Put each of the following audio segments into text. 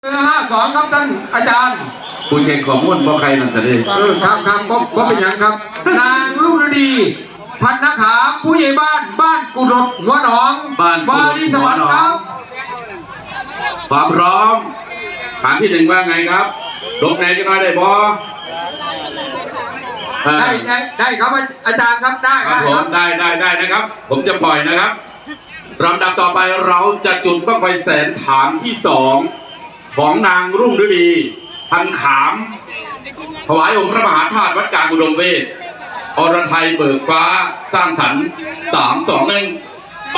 52ครับท่านอาจารย์ผู้เช็คข้อมูลบ่ใครนั่นสิครับก็เป็นอย่างครับนางรุ่งฤดีพันนาขาผู้ใหญ่บ้านกุดกหัวหนองวารีสวรรค์ครับความพร้อมฐานที่หนึ่งว่าไงครับลงไหนกันหน่อยได้บ่ได้ครับอาจารย์ครับได้ครับผมได้นะครับผมจะปล่อยนะครับลำดับต่อไปเราจะจุดบั้งไฟแสนฐานที่2ของนางรุ่งฤดีพันขามถวายองค์พระมหาธาตุวัดกลางอุดมเวทอรไทยเบิกฟ้าสร้างสรรค์3 2 1ไป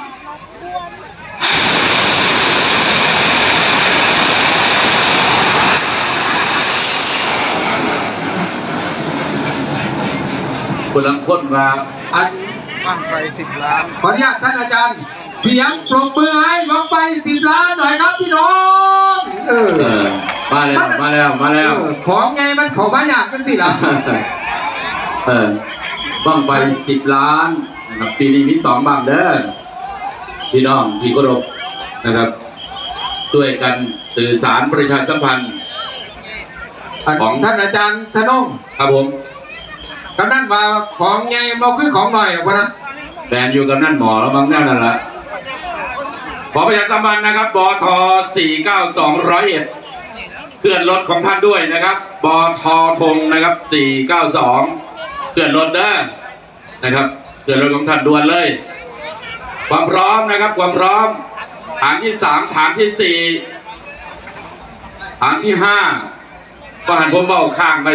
คนละคนมาอันบั้งไฟ10 ล้านขออนุญาตท่านอาจารย์เสียงปรบมือให้บั้งไฟ10 ล้านหน่อยครับพี่น้องมาแล้วของไงมันขอมาอยากกันสิล่ะบั้งไฟ10 ล้านนะครับปีนี้มี2บั้งเด้อพี่น้องที่เคารพนะครับด้วยกันสื่อสารประชาสัมพันธ์ของท่านอาจารย์ธนงครับผมกำนันมาของไงมาคือของหน่อยหรอกนะแต่อยู่กับนั่นหมอแล้วบางแน่นั่นแหละขอประชาสัมพันธ์นะครับบท49201เพื่อนรถของท่านด้วยนะครับบทธงนะครับ492เพื่อนรถเด้อนะครับเพื่อนรถของท่านด่วนเลยความพร้อมนะครับความพร้อมฐานที่3ฐานที่4ฐานที่5ก็หันผมเบาข้างไป